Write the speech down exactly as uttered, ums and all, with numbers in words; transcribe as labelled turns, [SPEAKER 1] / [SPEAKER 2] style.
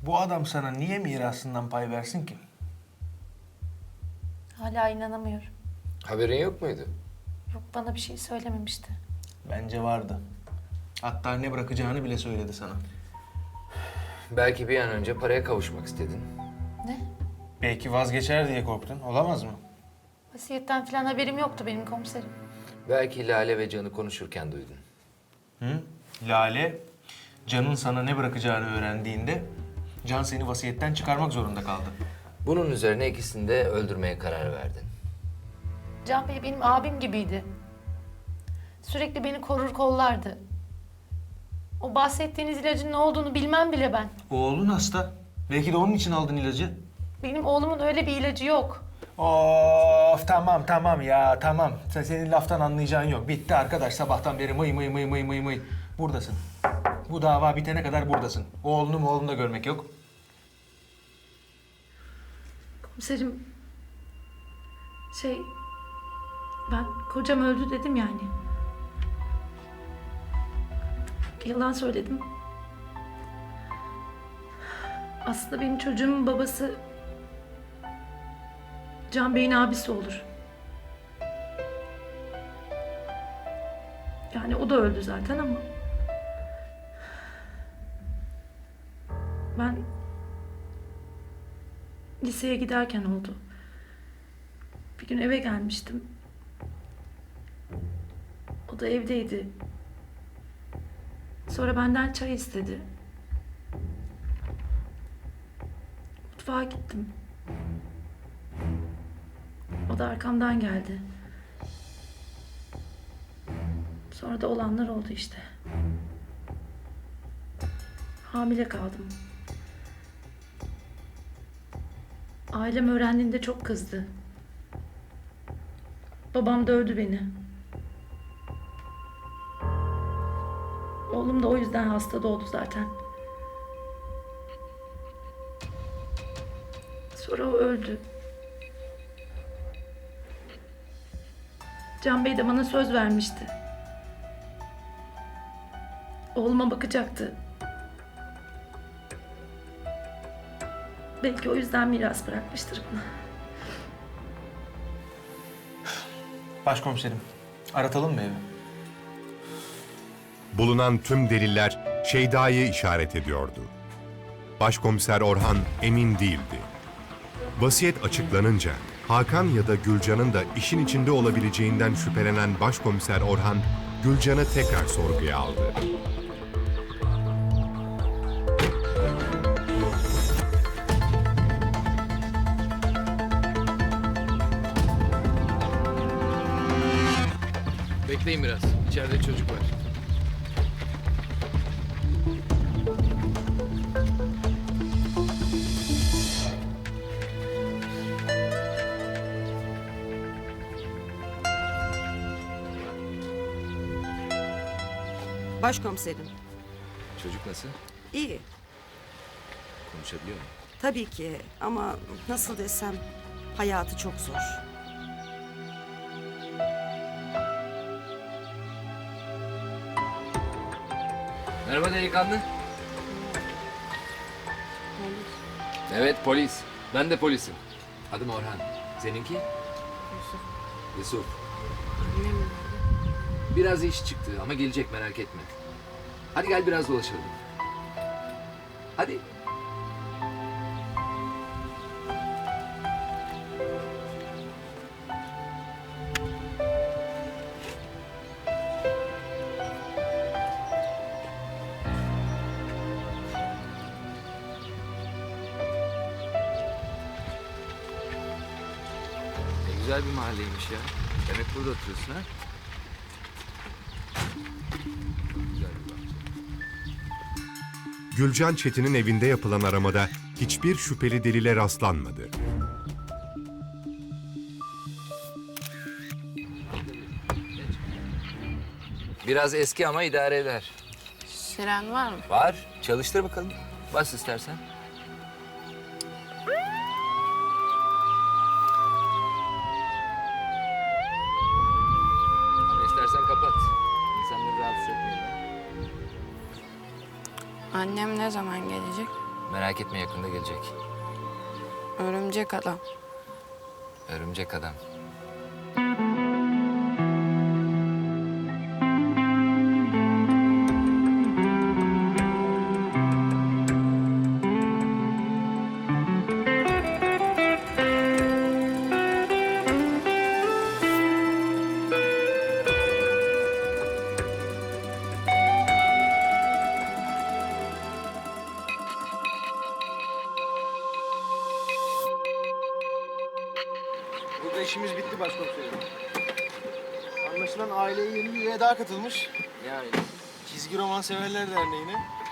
[SPEAKER 1] Bu adam sana niye mirasından pay versin ki?
[SPEAKER 2] Hala inanamıyorum.
[SPEAKER 3] Haberin yok muydu?
[SPEAKER 2] Yok, bana bir şey söylememişti.
[SPEAKER 1] Bence vardı. Hatta ne bırakacağını bile söyledi sana.
[SPEAKER 3] Belki bir an önce paraya kavuşmak istedin.
[SPEAKER 2] Ne?
[SPEAKER 1] Belki vazgeçer diye korktun. Olamaz mı?
[SPEAKER 2] Vasiyetten falan haberim yoktu benim komiserim.
[SPEAKER 3] Belki Lale ve Can'ı konuşurken duydun.
[SPEAKER 1] Hı? Lale, Can'ın sana ne bırakacağını öğrendiğinde Can seni vasiyetten çıkarmak zorunda kaldı.
[SPEAKER 3] Bunun üzerine ikisini de öldürmeye karar verdin.
[SPEAKER 2] Can Bey benim abim gibiydi. Sürekli beni korur kollardı. O bahsettiğiniz ilacın ne olduğunu bilmem bile ben.
[SPEAKER 1] Oğlun hasta. Belki de onun için aldın ilacı.
[SPEAKER 2] Benim oğlumun öyle bir ilacı yok.
[SPEAKER 1] Of tamam tamam ya tamam. Sen, senin laftan anlayacağın yok. Bitti arkadaş, sabahtan beri mıy mıy mıy mıy mıy mıy. Buradasın. Bu dava bitene kadar buradasın. Oğlunu mu oğlunu da görmek yok.
[SPEAKER 2] Komiserim, şey, ben kocam öldü dedim yani. Yalan söyledim. Aslında benim çocuğumun babası Can Bey'in abisi olur. Yani o da öldü zaten ama ben liseye giderken oldu. Bir gün eve gelmiştim. O da evdeydi. Sonra benden çay istedi. Mutfağa gittim. O da arkamdan geldi. Sonra da olanlar oldu işte. Hamile kaldım. Ailem öğrendiğinde çok kızdı. Babam dövdü beni. Oğlum da o yüzden hasta doğdu zaten. Sonra o öldü. Can Bey de bana söz vermişti. Oğluma bakacaktı. Belki o yüzden miras bırakmıştır bana.
[SPEAKER 1] Başkomiserim, aratalım mı evi?
[SPEAKER 4] Bulunan tüm deliller Şeyda'yı işaret ediyordu. Başkomiser Orhan emin değildi. Vasiyet açıklanınca Hakan ya da Gülcan'ın da işin içinde olabileceğinden şüphelenen Başkomiser Orhan, Gülcan'ı tekrar sorguya aldı.
[SPEAKER 3] Bekleyin biraz. İçeride çocuk var.
[SPEAKER 5] Başkomiserim.
[SPEAKER 3] Çocuk nasıl?
[SPEAKER 5] İyi.
[SPEAKER 3] Konuşabiliyor mu?
[SPEAKER 5] Tabii ki ama nasıl desem hayatı çok zor.
[SPEAKER 3] Merhaba delikanlı. Evet polis. Ben de polisim. Adım Orhan. Seninki? Yusuf. Yusuf. Biraz iş çıktı ama gelecek, merak etme. Hadi gel biraz dolaşalım. Hadi. Ne güzel bir mahalleymiş ya. Demek burada oturuyorsun ha? Güzel bir bahçe.
[SPEAKER 4] Gülcan Çetin'in evinde yapılan aramada hiçbir şüpheli delile rastlanmadı.
[SPEAKER 3] Biraz eski ama idare eder.
[SPEAKER 6] Siren var mı?
[SPEAKER 3] Var. Çalıştır bakalım. Bas istersen. Ama istersen kapat. İnsanları rahatsız etmeyin.
[SPEAKER 6] Annem ne zaman gelecek?
[SPEAKER 3] Merak etme, yakında gelecek.
[SPEAKER 6] Örümcek adam.
[SPEAKER 3] Örümcek adam.
[SPEAKER 7] Burada işimiz bitti başkomiserim. Anlaşılan aileye yeni bir üye daha katılmış. Yani Çizgi Roman Severler Derneği'ne.